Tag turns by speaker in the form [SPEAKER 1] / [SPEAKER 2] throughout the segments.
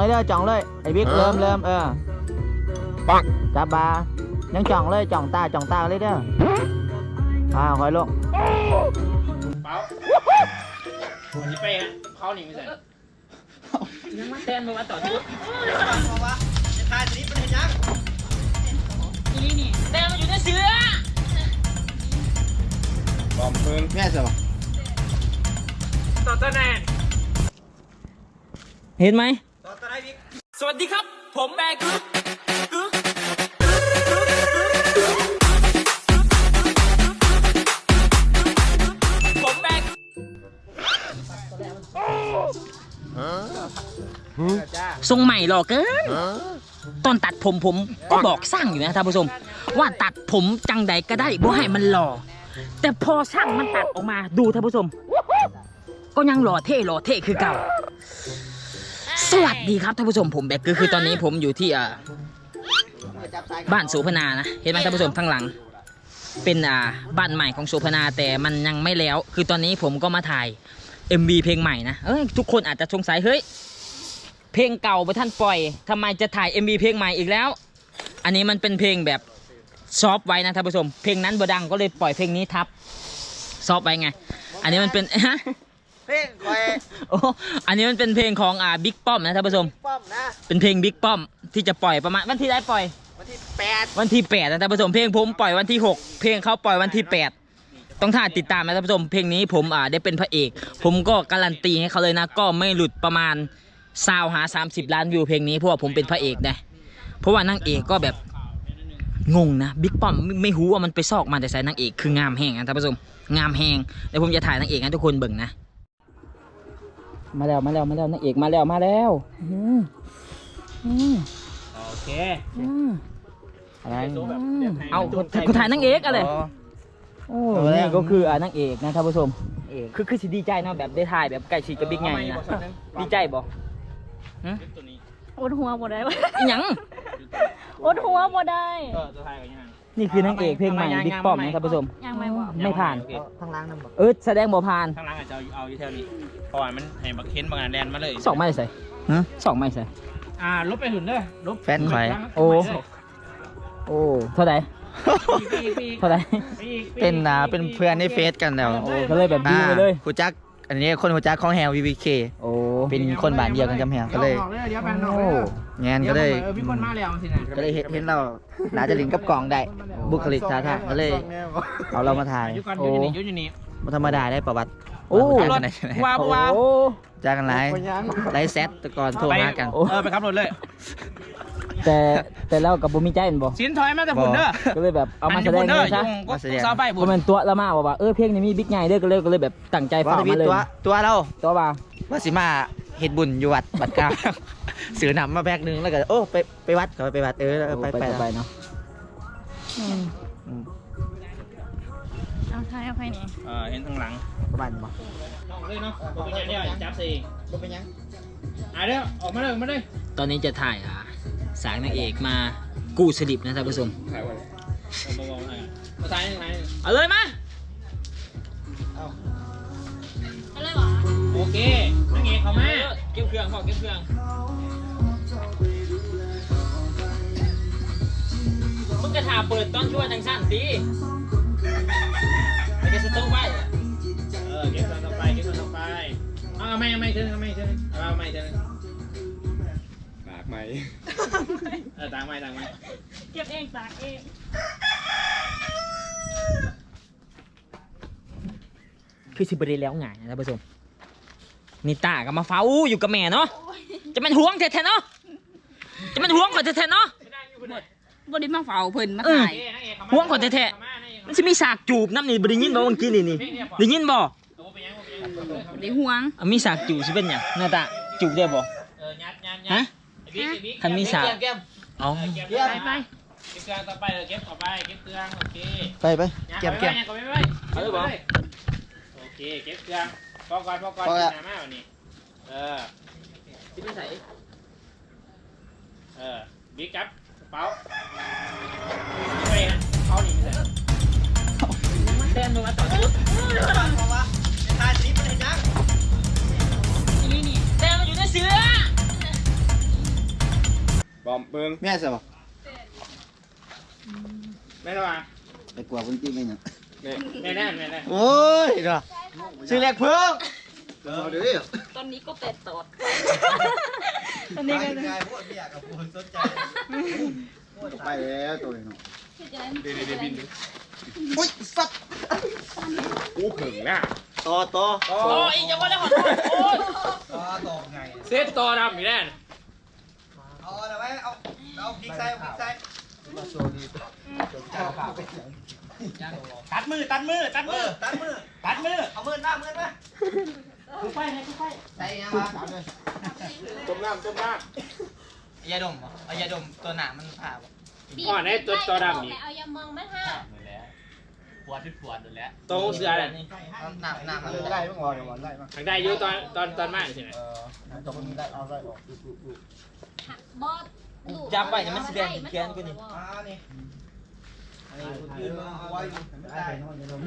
[SPEAKER 1] เลยเด้อจ่องเลยไอ้บิ๊กเริ่ม
[SPEAKER 2] ปัง
[SPEAKER 1] จับบายังจ่องเลยจ่องตาเลยเด้อคอยลง
[SPEAKER 3] เปล่าวันนี้ไปฮะเขาหนีไม่ใส่ยังมาแทนมาว่าต่อทุกบอกว่าจะทายตัวนี้เป็นยังนี่แทนมันอยู่ในเสือบอมเพิ่ง
[SPEAKER 2] แม่เสือ
[SPEAKER 3] ต่อตะแนน
[SPEAKER 1] เห็นไหม
[SPEAKER 3] ต่อตะไนบิ๊กสวัสดีครับผมแบกทรงใหม่หรอเกินตอนตัดผมก็บอกสร้างอยู่นะท่านผู้ชมว่าตัดผมจังใดก็ได้บ่ให้มันหล่อแต่พอช่างมันตัดออกมาดูท่านผู้ชมก็ยังหล่อเท่คือเก่าสวัสดีครับท่านผู้ชมผมแบกคือตอนนี้ผมอยู่ที่บ้านโสภณานะเห็นไหมท่านผู้ชมข้างหลังเป็นบ้านใหม่ของโสภณาแต่มันยังไม่แล้วคือตอนนี้ผมก็มาถ่าย MV เพลงใหม่นะทุกคนอาจจะสงสัยเฮ้ยเพลงเก่าไปท่านปล่อยทำไมจะถ่าย MV เพลงใหม่อีกแล้วอันนี้มันเป็นเพลงแบบซอฟไว้นะท่านผู้ชมเพลงนั้นบ่ดังก็เลยปล่อยเพลงนี้ทับซอฟไว้ไงอันนี้มันเป็น
[SPEAKER 2] เพลงคอย
[SPEAKER 3] อันนี้มันเป็นเพลงของบิ๊กป้อมนะท่านผู้ชม
[SPEAKER 2] ป้อมนะ
[SPEAKER 3] เป็นเพลงบิ๊กป้อมที่จะปล่อยประมาณวันที่ได้ปล่อย
[SPEAKER 2] วันที่
[SPEAKER 3] 8นะท่านผู้ชมเพลงผมปล่อยวันที่6เพลงเขาปล่อยวันที่8ต้องท่าติดตามนะท่านผู้ชมเพลงนี้ผมได้เป็นพระเอกผมก็การันตีให้เขาเลยนะก็ไม่หลุดประมาณ30 ล้านวิวเพลงนี้เพราะว่าผมเป็นพระเอกนะเพราะว่านางเอกก็แบบงงนะบิ๊กป้อมไม่รู้ว่ามันไปซอกมาแต่ใส่นางเอกคืองามแห้งนะท่านผู้ชมงามแห้งเดี๋ยวผมจะถ่ายนางเอกให้ทุกคนเบิ่งนะมาแล้วนางเอกมาแล้วโอเค
[SPEAKER 1] อะไร
[SPEAKER 3] เอากูถ่ายนางเอกอะไรโอ้นี่ก็คือนางเอกนะท่านผู้ชมคือสิดีใจนะแบบได้ถ่ายแบบใกล้ชิดกับบิ๊กไงนะดีใจบ่
[SPEAKER 4] อดหัวบ่ได้วะ
[SPEAKER 3] ยัง
[SPEAKER 4] อดหัวบ่ได้
[SPEAKER 3] นี่คือนางเอกเพลงใหม่บิ๊กป้อมนะท่านผู้ชม
[SPEAKER 4] ยังไม่
[SPEAKER 3] ผ่าน
[SPEAKER 1] ทางล่างนั่น
[SPEAKER 3] แสดงบ่ผ่าน
[SPEAKER 5] ทางล่างอาจจะเอาอยู่แถวนี้เพราะว่ามันให้บักเค้นบางงานแดนมาเลย
[SPEAKER 3] 2 ไม่ใส่2 ไม่ใส่
[SPEAKER 5] ลบไปหุ่นเลยลบ
[SPEAKER 1] แฟนใคร
[SPEAKER 3] โอ้เท่าไหร่
[SPEAKER 1] เป็นเพื่อนในเฟซกันแล้ว
[SPEAKER 3] ก็เลยแบบดีเลย
[SPEAKER 1] หูจักอันนี้คนหูจักของแฮว VVK เป็นคนบ้านเดียวกันกับแฮวก็เลยงานก็เลยก็เลยเห็นเราน่าจะลิงกับกล่องได้บุคลิกท่าทางก็เลยเอาเรามาถ่ายมันธรรมดาได้ประวัติ
[SPEAKER 3] ว้าว
[SPEAKER 1] จ้ากันไลฟ์เซตตะกอนโทรมากัน
[SPEAKER 5] ไปขับรถเลย
[SPEAKER 3] แต่แล้วกับบุมีใจเป็นบ่
[SPEAKER 5] สินถอยมาแต่ฝุ่นเด้อ
[SPEAKER 3] ก็เลยแบบเอามาแสดงเลยใช่
[SPEAKER 5] ซาไป
[SPEAKER 3] ผมเป็นตัวละมาว่าเพลงนี้มีบิ๊กใหญ่เด้อก็เลยแบบตั้งใจฟังมาเลย
[SPEAKER 1] ตัวเรา
[SPEAKER 3] ว่า
[SPEAKER 1] สิมาเฮ็ดบุญอยู่วัดบัดกลางซื้อหนำมาแบกนึงแล้วก็ไปวัดก็ไปวัดไปเนาะ
[SPEAKER 4] เอาท้ายเอาไปนี่
[SPEAKER 5] เห็นทางหลัง
[SPEAKER 1] ประมาณบ่
[SPEAKER 5] เลยเนาะเป็นยังเนี่ยจับสิ
[SPEAKER 1] เป็นยัง
[SPEAKER 5] เด้อออกมาเลย
[SPEAKER 3] ตอนนี้จะถ่ายสางนางเอกมากู้สลิปนะท่านผู้ชมเอาเลยมา
[SPEAKER 4] เอาเลยวะ
[SPEAKER 5] โอเคนางเอกเข้ามา
[SPEAKER 3] เก็บเครื่องมึงกระถาเปิดตอนช่วยทางสั้นสิไปจะสต๊อกไว้
[SPEAKER 5] เก็บต่อไปเอาไม่เถอะเอาไม่เถอะตากไหมตากไหม
[SPEAKER 4] เก็บเองตากเอง
[SPEAKER 3] คือสิบรีแล้วไงนะท่านผู้ชมนี่ตากับมาเฝ้าอยู่กับแม่เนาะจะมันห่วงแท้ๆเนาะจะมันห่วงกว่าแท้ๆเนาะ
[SPEAKER 4] บริมาเฝ้าเพิ่นมาถ่าย
[SPEAKER 3] ห่วงกว่าแท้ๆมันจะมีฉากจูบน้ำนี่บริยินบ่เมื่อกี้นี่ได้ยินบ่
[SPEAKER 4] ได้ห่วง
[SPEAKER 3] มีฉากจูบสิเป็นหยังหน้าตาจูบได้บ่ฮะคันมีฉาก
[SPEAKER 5] เอาไปเก็บเครื่องต่อไปเก็บเครื่องโอเค
[SPEAKER 1] ไปเก็บ
[SPEAKER 5] เอาเลยบ่โอเคเก็บเครื่องพอก่อนหน้ามาวันนี้
[SPEAKER 3] ที่ไม่ใส่
[SPEAKER 5] บิ๊กกับกระเป๋าไปฮะเขาหนีเลย
[SPEAKER 3] แทนมาต่อชุด
[SPEAKER 5] บอกว่าทายสีมันเห็นยัง
[SPEAKER 4] นี่
[SPEAKER 3] แทนมันอยู่ในเสือ
[SPEAKER 5] บอมเบิ้ง
[SPEAKER 1] แม่ใช่ปะ
[SPEAKER 5] แม่ระวัง
[SPEAKER 1] ไปกลัวคนที่ไม่เนี่ย
[SPEAKER 5] แม่แน่
[SPEAKER 1] โอ้ยเนาะชื่อแรกเพิ่งเดี๋ยวดิ
[SPEAKER 4] ตอนนี้ก็เป็ดตอดตอนนี้ก็
[SPEAKER 1] ง่ายพวกที่อยากกับคนสนใจไปแล้วตัวเนาะ
[SPEAKER 5] เดี๋ยวบิน
[SPEAKER 1] อุ้ยสัตว์
[SPEAKER 5] กูเขิงน่ะ
[SPEAKER 1] ต่อ
[SPEAKER 3] โอ้ยจะว่าแล้วขอโอ้ย
[SPEAKER 1] ต่อไง
[SPEAKER 5] เซตต่อดำอีกแน่
[SPEAKER 1] เอาอะไรไว้เอาพริกใส่ตัดมือเอามือหน้ามือมาคือไฟใส่ยังมา
[SPEAKER 5] ต้มน้ำ
[SPEAKER 1] ยาดมเอายาดมตัวหนามันผ่า
[SPEAKER 5] อ๋อในตัวดำนี่
[SPEAKER 4] เอายามองมาห้า
[SPEAKER 3] ปวดอยู่แล้ว
[SPEAKER 5] ตรงเสือแหละ
[SPEAKER 1] หนักมันได้บ้างวอนได้บ้าง
[SPEAKER 5] ทางได้อยู่ตอนมากใช่ไหม
[SPEAKER 1] ตรงนี้ได้เอาได้ออก
[SPEAKER 4] บอส
[SPEAKER 3] จับไปเนี่ยมันแสดงแค้นกูนี่
[SPEAKER 1] นี่อันนี้คุณยืนมาไว้ได้นอนจะดม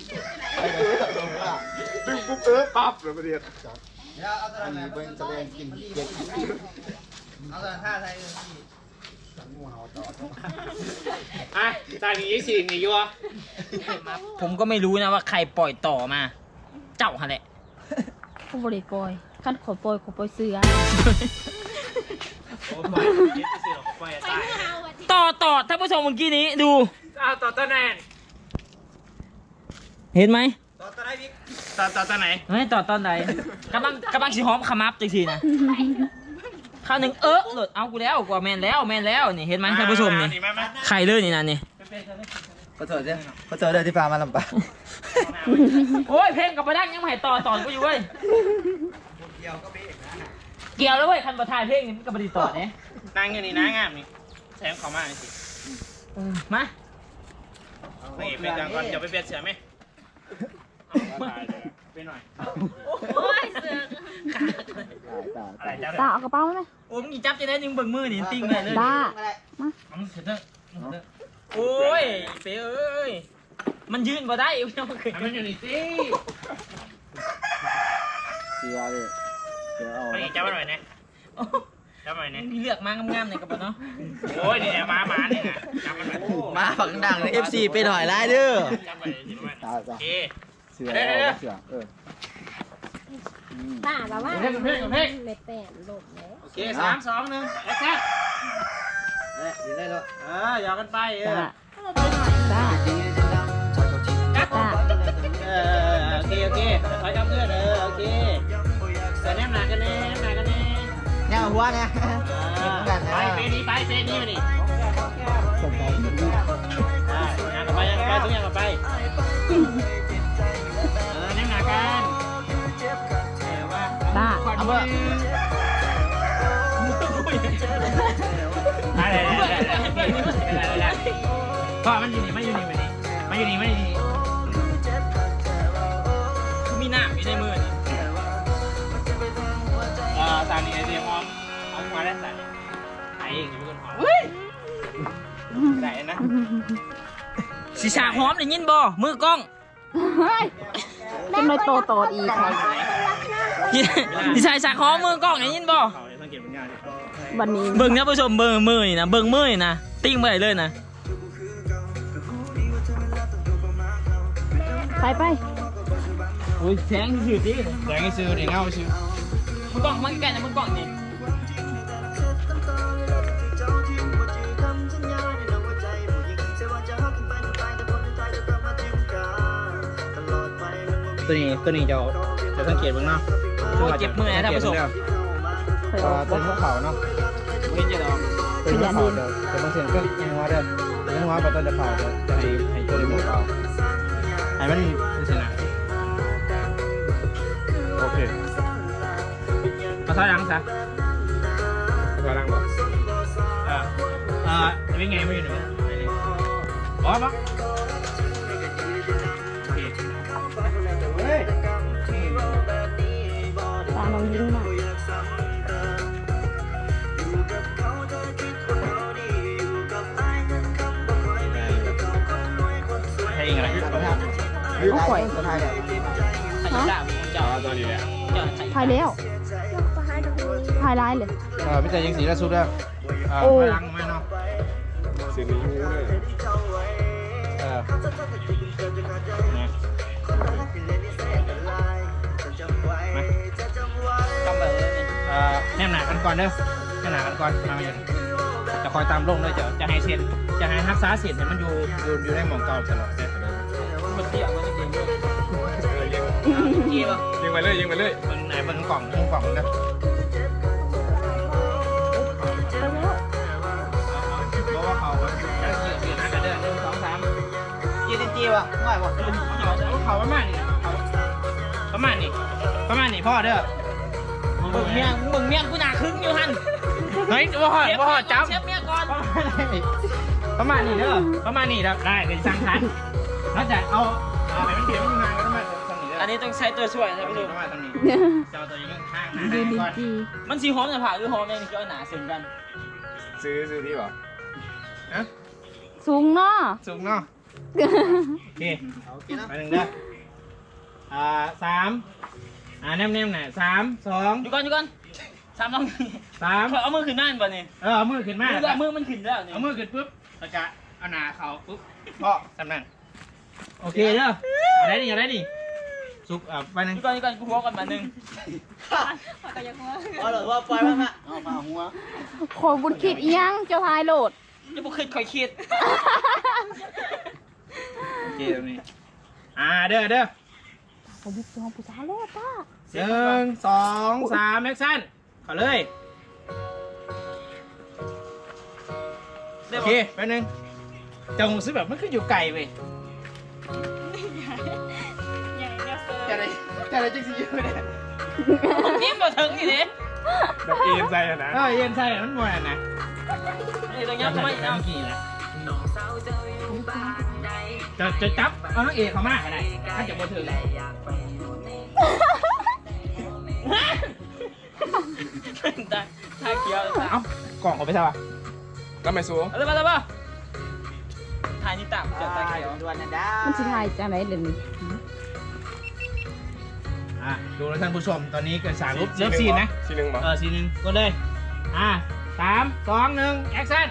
[SPEAKER 5] ดึงปุ๊บปั๊บเลยประเดี๋ยว
[SPEAKER 1] เดี๋ยวเอาตัวนั้นเป็นแสดงกินเด็กเอาตัวนั้นท่าไทยที่สังงูเห่าต่อ
[SPEAKER 5] อ่ะตอนนี้สิ่งนี้อยู่
[SPEAKER 3] ผมก็ไม่รู้นะว่าใครปล่อยต่อมา เจ้าฮะแหละ
[SPEAKER 4] ผู้บริปอยขั้นขอปอยเสือ
[SPEAKER 3] ต่อท่านผู้ชมเมื่อกี้นี้ดู
[SPEAKER 5] เอาต่อตัวไหน
[SPEAKER 3] เห็นไหม
[SPEAKER 1] ต่อตัวไหนพี่
[SPEAKER 5] ตัวไหน
[SPEAKER 3] ไม่ต่อตอนไหนกำลังสิหอมขมับจังทีนะข้าวหนึ่งหลุดเอากูแล้วกว่าแมนแล้วนี่เห็นไหมท่านผู้ชมนี่ไข่เลยนี่นะนี่
[SPEAKER 1] ขอโทษด้วยที่พามาลำบาก
[SPEAKER 3] โอ้ยเพลงกับประดังยังไม่ให้ต่อสอนกูอยู่เว้ยเกี่ยวแล้วเว้ยคันประทายเพลงนี่มันกับประดิษฐ์ต่อเนี่ย
[SPEAKER 5] นางอยู่นี่นะงามนี่แซมเขามาสิ
[SPEAKER 3] มา
[SPEAKER 5] นี่ไปจังก่อนจะไปเปลี่ยนเสือไหมไปหน่อย
[SPEAKER 4] โอ้ยเสือ
[SPEAKER 5] อะไรจ้า
[SPEAKER 4] ตาเอากระเป๋าไหม
[SPEAKER 3] โอ้ยมึงจับจะได้นึงเบิ่งมือนี่ติ้งเลยเลย
[SPEAKER 4] ตา
[SPEAKER 3] โอ้ยเป๋เอ้ยมันยืนบ่ได้อีกยังมันขึ้น
[SPEAKER 5] มันอยู่นี่สิ
[SPEAKER 1] เสียเลยเสียเอา
[SPEAKER 5] ไปจับมาหน่อยนะจับมาหน่อยนะ
[SPEAKER 3] มีเลือกมางามๆในกระเป๋าเนาะ
[SPEAKER 5] โอ้ยนี่มาเนี่ยนะจับมันหน่อย
[SPEAKER 1] มาฝังดังใน FC ไปหน่อยไล่เด้อ
[SPEAKER 5] จับไปสิประมาณ
[SPEAKER 1] ตา
[SPEAKER 5] โอเค
[SPEAKER 1] เสือเสือ
[SPEAKER 4] ตาแบบว่าเล็บแป้นหลบแล้ว
[SPEAKER 5] โอเค3 2 1แอคชั่น
[SPEAKER 1] ดีได้แล้ว
[SPEAKER 5] หยอกกันไป
[SPEAKER 4] ตาตา
[SPEAKER 5] โอเคถอยกับเพื่อนโอเคแต่แนมหนักกันแน่
[SPEAKER 1] เนี่ยหัวเนี่ย
[SPEAKER 5] ไปเฟนี่มานี่ยังกับไปทุกอย่างกับไปแนมหนักกัน
[SPEAKER 4] ตา
[SPEAKER 1] เอาเบอร์
[SPEAKER 5] ได้ก็มันอยู่นี่
[SPEAKER 3] คือมีหน้ามีในมือนี่
[SPEAKER 5] ตานี่ไอเดียมเอามาได้ใส่ไอ้เองอยู่บนหอได้นะ
[SPEAKER 3] สีฉากหอมได้ยินบ่มือกล้อง
[SPEAKER 4] จนเลยโตอีกค่ะ
[SPEAKER 3] สีฉากหอมมือกล้องได้ยินบ่
[SPEAKER 5] สังเกตมันง่าย
[SPEAKER 4] วันนี้
[SPEAKER 3] เบิ่งนะผู้ชมเบิ่งมือนี่นะเบิ่งมือนี่นะติ้งไปเลยนะ
[SPEAKER 4] ไป
[SPEAKER 3] โอ้ยแสงสื่อดิ
[SPEAKER 5] แดงซื้อดิเงาซื้อ
[SPEAKER 3] มือกล้องมันใกล้นะมือกล้องนี่
[SPEAKER 5] ตัวนี้จะสังเกตบ้างเนาะ
[SPEAKER 3] โอ้ยเจ็บมือนะท่านผู้ชม
[SPEAKER 1] ตัวพวกเขาเนาะ
[SPEAKER 5] ไม่จะลอง
[SPEAKER 1] เป็นพวกเขาเด้อแต่บางเสียงก็ยังว่าเด้อยังว่าแบบต้นจะเผาเด้อจะให้ตัวในหมู่เผา
[SPEAKER 5] ให้มันเป็นชนะโอเคมาถอยหลังซะถอยหลังบ่เป็นไงไม่อยู่หนูอ๋อปะโอเค
[SPEAKER 4] ตาน้องยิ้มหน่อย
[SPEAKER 5] ให้เองอะไร
[SPEAKER 1] เอาข่อยตัวไทยเนี่ย
[SPEAKER 3] ไข่ดาวเจ้า
[SPEAKER 5] ตัวนี้แหละ
[SPEAKER 3] เจ้า
[SPEAKER 4] ถ่ายแล้ว
[SPEAKER 1] เ
[SPEAKER 4] ถ่ายร้ายเลย
[SPEAKER 6] พี่แต่ยังสีละสุดแล้ว
[SPEAKER 4] โอ้
[SPEAKER 6] มาลังมาเนาะ
[SPEAKER 5] สีนี้มูเลย
[SPEAKER 6] เนี่ย
[SPEAKER 3] กำแบบนี้
[SPEAKER 6] แนมหนากันก่อนเด้อแนมหนากันก่อนมาอย่างจะคอยตามลงเลยจะให้เสียนจะให้ฮักษาเสียนให้มันอยู่ในหม่องเก่าตลอดเลย
[SPEAKER 3] มันเที่ยวมันจริงๆด้วย
[SPEAKER 6] กี่ป่ะ
[SPEAKER 5] ยิงไปเลยยิงไปเลย
[SPEAKER 6] มันไหนมันกล่องมันกล่องมันนะเพราะว่าเขายืนนะกันเด้อ1 2 3
[SPEAKER 2] ยืนจีวะง่ายบ่
[SPEAKER 6] เขาประมาณนี้ประมาณนี้พ่อเด้อ
[SPEAKER 3] มึงเมียกูหนาครึ่งอยู่หัน
[SPEAKER 6] เฮ้ยพ่อจับ
[SPEAKER 3] เชฟเมียก่อน
[SPEAKER 6] ประมาณนี้เด้อประมาณนี้ได้เป็นสั่งทันแล้วจะเอาไปมันเดียวมันงานก็ต้องมาตรงนี้เด้อ
[SPEAKER 3] อันนี้ต้องใช้ตัวช่วยนะพี่
[SPEAKER 6] ต้
[SPEAKER 3] ดู
[SPEAKER 6] องมาตรงนี้จะเอาตัวนี้ข้างๆนะ
[SPEAKER 4] ยืน
[SPEAKER 6] ก่อน
[SPEAKER 4] จี
[SPEAKER 3] มันสีหอมจะผ่าหรือหอมเองนี่ก็หนาเสียงกัน
[SPEAKER 5] ซื้อที่ป่ะ
[SPEAKER 4] สูงเนาะ
[SPEAKER 6] สูงเนาะโอเคไปหนึ่งเด้อ3แนมๆหน่อย3 2
[SPEAKER 3] อยู่ก่อน3 ต้อง
[SPEAKER 6] 3
[SPEAKER 3] เอามือขึ้นหน้าบ่นี่
[SPEAKER 6] เอามือขึ้นมา
[SPEAKER 3] มือมันขึ้นแล้วนี่
[SPEAKER 6] เอามือขึ้นปุ๊บแล้วก็เอาหน้าเขาปุ๊บพ่อสำนักโอเคเด้อเอาได้ดิสุกไปหนึ่ง
[SPEAKER 3] อยู่ก่อนกูหัวก่อนมานึง
[SPEAKER 2] เอาเลยว่าปล่อยมันมาเอามาหัว
[SPEAKER 4] ขอบุญคิดอีหยังเจ้าทายโหลด
[SPEAKER 3] จะบ่คิดค่อยคิด
[SPEAKER 6] โอเคตรงนี้เด้อ
[SPEAKER 4] ขอบุญจองผู้สาวแล้วป้า
[SPEAKER 6] 1 2 3แอคชั่นขอเลยโอเคไปหนึ่งจะหูซื้อแบบมันคืออยู่ไกลเว้ยจะอะไรจังสิอยู่เนี่ย
[SPEAKER 3] นิ่มบ่ถึงนี่เด้
[SPEAKER 5] แบบเอ็นใจอะนะ
[SPEAKER 6] เย็นใส่มันบ่อยนะ
[SPEAKER 3] นี่ตรงนี้ทำไมอีก
[SPEAKER 6] เมื่อกี้แหละจะจับเอานักเอกเขามากอะไรถ้าจะบ่ถึง
[SPEAKER 3] ท่าเขียว
[SPEAKER 6] เอ้ากล่องเขาไปใช่ปะ
[SPEAKER 5] แล้วไม่สู้
[SPEAKER 3] เอาเลยมาถ่ายนี่ตามจะตาเขียว
[SPEAKER 2] ด่วนนะด้า
[SPEAKER 4] มันสิทายจังไหนเดี๋ยวนี้
[SPEAKER 6] ดูแล้วท่านผู้ชมตอนนี้เกิด3รูปเริ่มซีนนะ
[SPEAKER 5] ซีหนึ่งป่ะ
[SPEAKER 6] ซีนหนึ่งก็เลย3 2 1แอคชั่น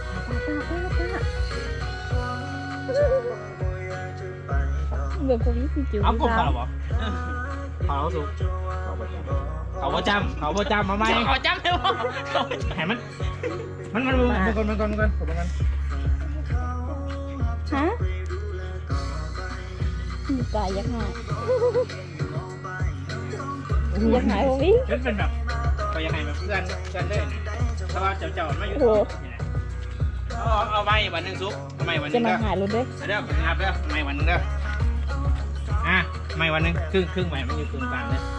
[SPEAKER 4] เบื่อคนนี้สิจิ๋ว
[SPEAKER 6] เอากบเขาเหรอเขาสุกเขาประจำมาไหม
[SPEAKER 3] ขอจำได้ป่ะ
[SPEAKER 6] ให้มันก่อนผมกัน
[SPEAKER 4] ฮะมีกายยักหายยักหายผมอีก
[SPEAKER 6] เป็นแบบก็ยังไงแบบเพื่อนเลยนะเพราะว่าเจ้าไม่อยู่เอาไม้วันหนึ่งซุปเอาไม้วันห
[SPEAKER 4] จะ
[SPEAKER 6] นึ่ง
[SPEAKER 4] มา
[SPEAKER 6] เด้อ
[SPEAKER 4] หายรถด้วย
[SPEAKER 6] เด้อนับเด้อไม้วันหนึ่งเด้อไม้วันหนึ่งครึ่งไม้มันอยู่ครึ่งกลางเลย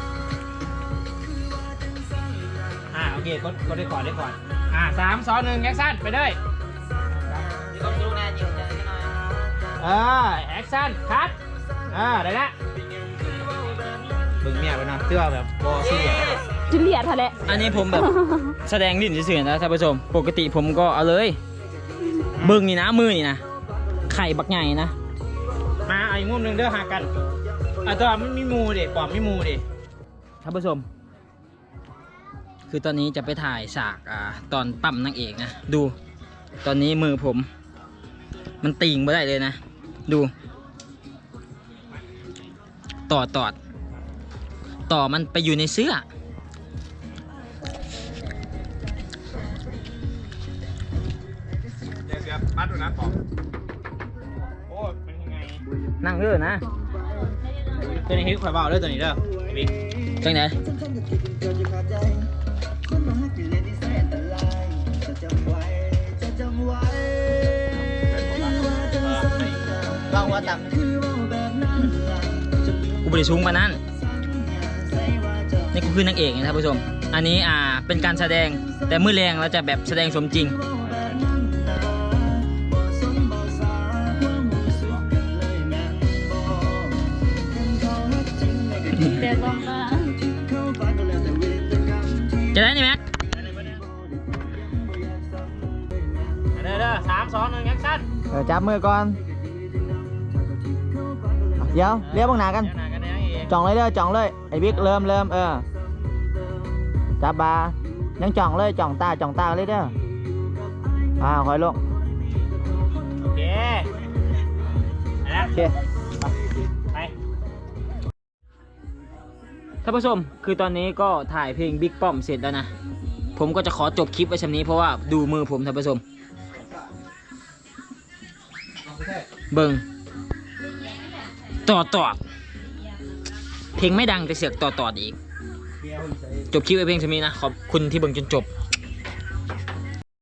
[SPEAKER 6] โอเคก็ได้ก่อน3 2 1แอคชั่นไปเลย
[SPEAKER 2] ต้องดูนะยิงจะหน่อย
[SPEAKER 6] แอคชั่นคัทได้ละบึงเมียไปนะเสื้อแบบบอสซี่
[SPEAKER 4] จุเลียดทะเล
[SPEAKER 3] อันนี้ผมแบบแสดงลิ้นเฉยๆนะท่านผู้ชมปกติผมก็เอาเลยบึ้งนี่นะมือนี่นะไข่บักใหญ่นะ
[SPEAKER 6] มาอีกมุมหนึ่งเด้อหากันตัวมันมีมูดิปอมมีมูดิ
[SPEAKER 3] ท่านผู้ชม คือตอนนี้จะไปถ่ายฉากตอนปั๊มนางเอกนะดูตอนนี้มือผม มันติ่งไม่ได้เลยนะดูต่อมันไปอยู่ในเสื้อ
[SPEAKER 5] เดี๋ยวปัดดูนะปอก
[SPEAKER 6] โอ้เป็นยังไง
[SPEAKER 3] นั่งเด้อนะ
[SPEAKER 6] ตัวนี้ให้ข่อยเบาเด้อตัวนี้เด้อบิ๊ก
[SPEAKER 3] จังไหน
[SPEAKER 2] ลองว่าต่ำ
[SPEAKER 3] กูบริสูงมานั้นนี่กูคือนางเอกนะท่านผู้ชม อันนี้เป็นการแสดงแต่มือแรงเราจะแบบแสดงสมจริง
[SPEAKER 4] แต่ต้องมา
[SPEAKER 3] จะได้นี่แม็ก
[SPEAKER 6] เด้อ3 2 1แอคชั่น
[SPEAKER 1] จับมือก่อนเดี๋ยวเลี้ยวบังหนากัน
[SPEAKER 6] เดี๋ยวหน้ากันนะเอง
[SPEAKER 1] จ่องเลยไอ้บิ๊กเริ่มจับบายังจ่องเลยจ่องตาเลยเด้อคอยลง
[SPEAKER 5] โอเคนะ
[SPEAKER 1] โอเค
[SPEAKER 5] ไป
[SPEAKER 3] ท่านผู้ชมคือตอนนี้ก็ถ่ายเพลงบิ๊กป้อมเสร็จแล้วนะผมก็จะขอจบคลิปไว้ชำนี้เพราะว่าดูมือผมท่านผู้ชมเบิ่งต่อเพลงไม่ดังแต่เสียงต่ออีกจบคลิปไว้เพลงชำนี้นะขอบคุณที่เบิ่งจนจบ